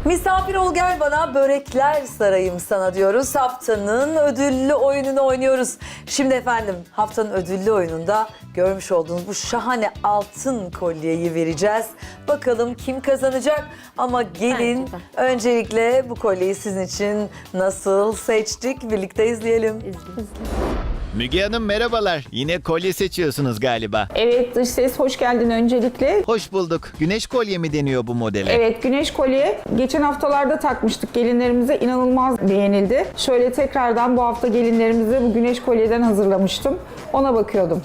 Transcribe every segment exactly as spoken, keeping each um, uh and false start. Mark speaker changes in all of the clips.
Speaker 1: Misafir ol gel bana, börekler sarayım sana diyoruz. Haftanın ödüllü oyununu oynuyoruz. Şimdi efendim haftanın ödüllü oyununda görmüş olduğunuz bu şahane altın kolyeyi vereceğiz. Bakalım kim kazanacak? Ama gelin
Speaker 2: Bence de.
Speaker 1: öncelikle bu kolyeyi sizin için nasıl seçtik birlikte izleyelim.
Speaker 3: Müge Hanım merhabalar. Yine kolye seçiyorsunuz galiba.
Speaker 4: Evet, dış ses hoş geldin öncelikle.
Speaker 3: Hoş bulduk. Güneş kolye mi deniyor bu modele?
Speaker 4: Evet, güneş kolye geçen haftalarda takmıştık gelinlerimize, inanılmaz beğenildi. Şöyle tekrardan bu hafta gelinlerimize bu güneş kolyeden hazırlamıştım. Ona bakıyordum.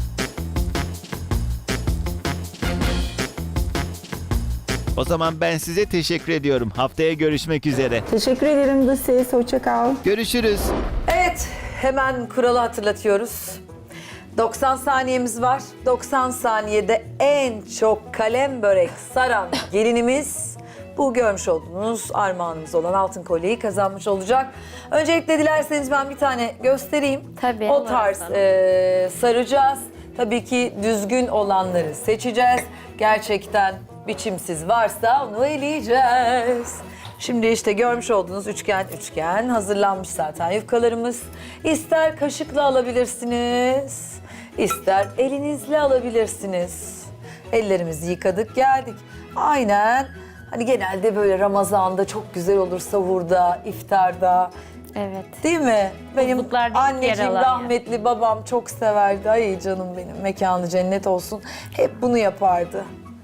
Speaker 3: O zaman ben size teşekkür ediyorum. Haftaya görüşmek üzere.
Speaker 4: Teşekkür ederim dış ses, hoşça kal.
Speaker 3: Görüşürüz.
Speaker 1: Evet, hemen kuralı hatırlatıyoruz. doksan saniyemiz var. doksan saniyede en çok kalem börek saran gelinimiz bu görmüş olduğunuz armağanımız olan altın kolyeyi kazanmış olacak. Öncelikle dilerseniz ben bir tane göstereyim.
Speaker 2: Tabii.
Speaker 1: O tarz e, saracağız. Tabii ki düzgün olanları seçeceğiz. Gerçekten biçimsiz varsa onu eleyeceğiz. Şimdi işte görmüş olduğunuz üçgen üçgen hazırlanmış zaten yufkalarımız. İster kaşıkla alabilirsiniz, ister elinizle alabilirsiniz. Ellerimizi yıkadık geldik. Aynen hani genelde böyle Ramazan'da çok güzel olur, sahurda, iftarda.
Speaker 2: Evet.
Speaker 1: Değil mi? Benim
Speaker 2: Buzluklarda yer
Speaker 1: anneciğim
Speaker 2: alan
Speaker 1: rahmetli babam çok severdi. Ay canım benim, mekanı cennet olsun. Hep bunu yapardı.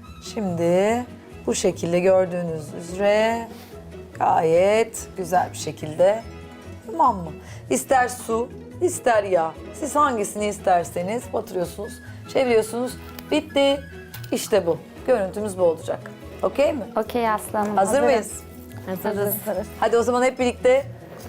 Speaker 1: Şimdi bu şekilde gördüğünüz üzere gayet güzel bir şekilde, tamam mı? İster su, ister yağ. Siz hangisini isterseniz batırıyorsunuz, çeviriyorsunuz. Bitti. İşte bu. Görüntümüz bu olacak. Okey mi?
Speaker 2: Okey aslanım.
Speaker 1: Hazır
Speaker 2: hazırım.
Speaker 1: mıyız?
Speaker 2: Hazırız.
Speaker 1: Hadi o zaman hep birlikte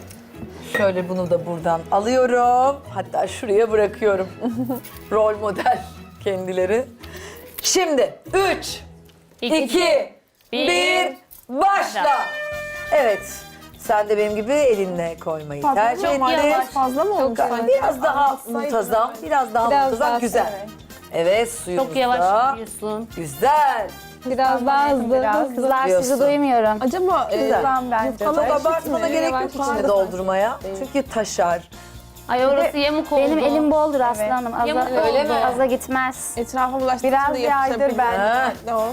Speaker 1: şöyle bunu da buradan alıyorum. Hatta şuraya bırakıyorum. Rol model kendileri. Şimdi üç,
Speaker 2: İki,
Speaker 1: iki,
Speaker 2: bir,
Speaker 1: bir, başla. Evet. Sen de benim gibi elinle koymayı tercih
Speaker 2: Çok
Speaker 1: ettin.
Speaker 2: yavaş.
Speaker 4: Fazla mı olmuş?
Speaker 1: Çok- Biraz daha muntazam, biraz daha
Speaker 4: Biraz
Speaker 1: muntazam.
Speaker 4: daha
Speaker 1: Güzel.
Speaker 4: evet.
Speaker 1: Evet, suyumuz
Speaker 2: Çok yavaş
Speaker 1: da
Speaker 2: gidiyorsun.
Speaker 1: güzel.
Speaker 4: Biraz daha hızlı.
Speaker 2: Kızlar
Speaker 1: Diyorsun.
Speaker 2: sizi duymuyorum.
Speaker 4: Acaba e,
Speaker 1: Güzel.
Speaker 4: bence.
Speaker 1: Çok abartmana gerek yok içini doldurmaya. Çünkü taşar.
Speaker 2: Ay orası yamuk oldu.
Speaker 5: Benim elim boldur aslanım. Aza,
Speaker 2: Yamuk
Speaker 1: Öyle
Speaker 2: oldu.
Speaker 1: mi?
Speaker 5: aza gitmez.
Speaker 4: Etrafa bulaştığı
Speaker 5: Biraz
Speaker 4: için de
Speaker 5: yaydır
Speaker 4: yapışabilir.
Speaker 5: bence.
Speaker 1: Ha.
Speaker 4: Ne o?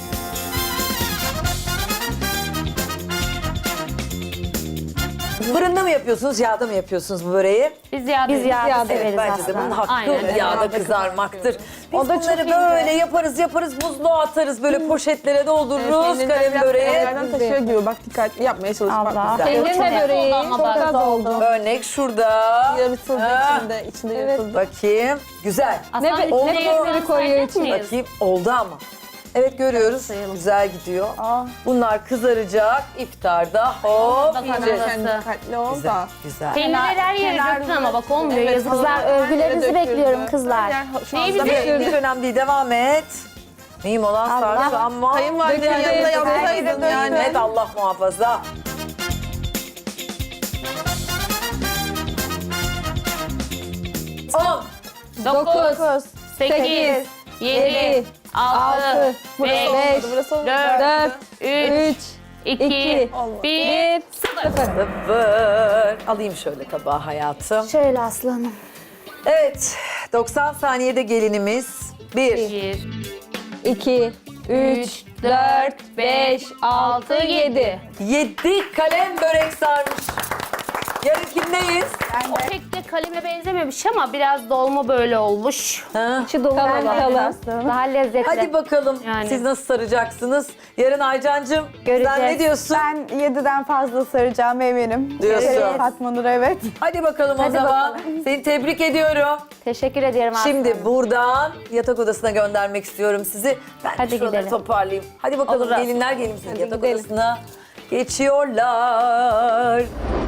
Speaker 1: Fırında mı yapıyorsunuz, yağda mı yapıyorsunuz bu böreği?
Speaker 2: Biz yağda.
Speaker 5: Biz yağda
Speaker 4: yağda,
Speaker 5: severiz
Speaker 1: Evet, bence de
Speaker 5: aslanım.
Speaker 1: bunun hakkı
Speaker 2: Aynen.
Speaker 1: yağda
Speaker 4: Yağda
Speaker 1: kızarmaktır. Biz
Speaker 4: O da çok
Speaker 1: bunları
Speaker 4: ince.
Speaker 1: böyle yaparız yaparız, buzluğa atarız, böyle poşetlere doldururuz
Speaker 4: Peynirler
Speaker 1: kalem
Speaker 4: biraz
Speaker 1: böreği.
Speaker 4: kenarlardan taşıyor gibi. Bak dikkatli yapmaya çalış. Bak
Speaker 5: Allah.
Speaker 4: güzel.
Speaker 1: Peynir
Speaker 2: de böreği
Speaker 5: Çok
Speaker 2: ama bak.
Speaker 5: az oldu.
Speaker 1: Örnek şurada.
Speaker 4: Yarıtıldı
Speaker 1: Ha.
Speaker 4: içinde. İçinde yarıtıldı.
Speaker 1: Bakayım. Güzel.
Speaker 2: Aslan
Speaker 4: Ne be-
Speaker 1: ne
Speaker 2: içine
Speaker 4: peyniri koyuyor
Speaker 2: sayacak
Speaker 4: içine?
Speaker 2: mıyız?
Speaker 1: Bakayım oldu ama. Evet görüyoruz.
Speaker 2: Sayalım.
Speaker 1: Güzel gidiyor. Bunlar kızaracak. İftarda hop
Speaker 2: Bakalım.
Speaker 1: yiyeceğiz.
Speaker 2: Nasıl?
Speaker 4: Sen dikkatli ol
Speaker 1: Güzel.
Speaker 4: da.
Speaker 1: Güzel.
Speaker 2: Peynirleri her yere
Speaker 4: Kenar-
Speaker 2: döktün ama bak olmuyor.
Speaker 4: Evet,
Speaker 2: yazık.
Speaker 5: Kızlar
Speaker 4: Her yere
Speaker 5: övgülerinizi
Speaker 4: döküldü.
Speaker 5: bekliyorum kızlar.
Speaker 4: Her yer şu
Speaker 2: Neyi
Speaker 4: anda
Speaker 2: bize-
Speaker 4: bir-
Speaker 1: Hiç önemli değil. Devam et. Mühim olan sarsı ama
Speaker 4: Kayınvalidenin
Speaker 1: Döküldü.
Speaker 4: yanında
Speaker 1: Döküldü.
Speaker 4: yapsaydın yani.
Speaker 1: Evet, Allah muhafaza. On.
Speaker 2: Dokuz, sekiz, yedi, altı, beş,
Speaker 4: Olmadı, burası olmadı.
Speaker 2: dört,
Speaker 4: Üç.
Speaker 2: üç, iki,
Speaker 4: Olmadı.
Speaker 2: bir, sıfır.
Speaker 1: Sıfır. Alayım şöyle tabağı hayatım.
Speaker 5: Şöyle aslanım.
Speaker 1: Evet. doksan saniyede gelinimiz. Bir.
Speaker 2: Bir,
Speaker 4: İki.
Speaker 2: üç, dört, beş, altı, yedi.
Speaker 1: Yedi kalem börek sarmış. Yarın kimdeyiz?
Speaker 2: O pek de kaleme benzememiş ama biraz dolma böyle olmuş.
Speaker 1: Ha?
Speaker 5: İçi dolu
Speaker 4: Kalın,
Speaker 5: olan.
Speaker 4: kalın.
Speaker 5: Daha lezzetli.
Speaker 1: Hadi bakalım
Speaker 2: Yani.
Speaker 1: siz nasıl saracaksınız? Yarın Aycancığım sen
Speaker 5: Göreceğiz.
Speaker 1: ne diyorsun?
Speaker 6: Ben yediden fazla saracağım eminim.
Speaker 1: Diyorsun.
Speaker 6: Evet. Fatma Nur evet.
Speaker 1: Hadi bakalım o
Speaker 5: Hadi
Speaker 1: zaman. Seni tebrik ediyorum.
Speaker 5: Teşekkür ederim aslanım.
Speaker 1: Şimdi buradan yatak odasına göndermek istiyorum sizi. Ben de
Speaker 5: Hadi
Speaker 1: şuraları
Speaker 5: gidelim.
Speaker 1: toparlayayım. Hadi bakalım
Speaker 2: Olur,
Speaker 1: gelinler gelin siz yatak
Speaker 4: gidelim.
Speaker 1: odasına geçiyorlar.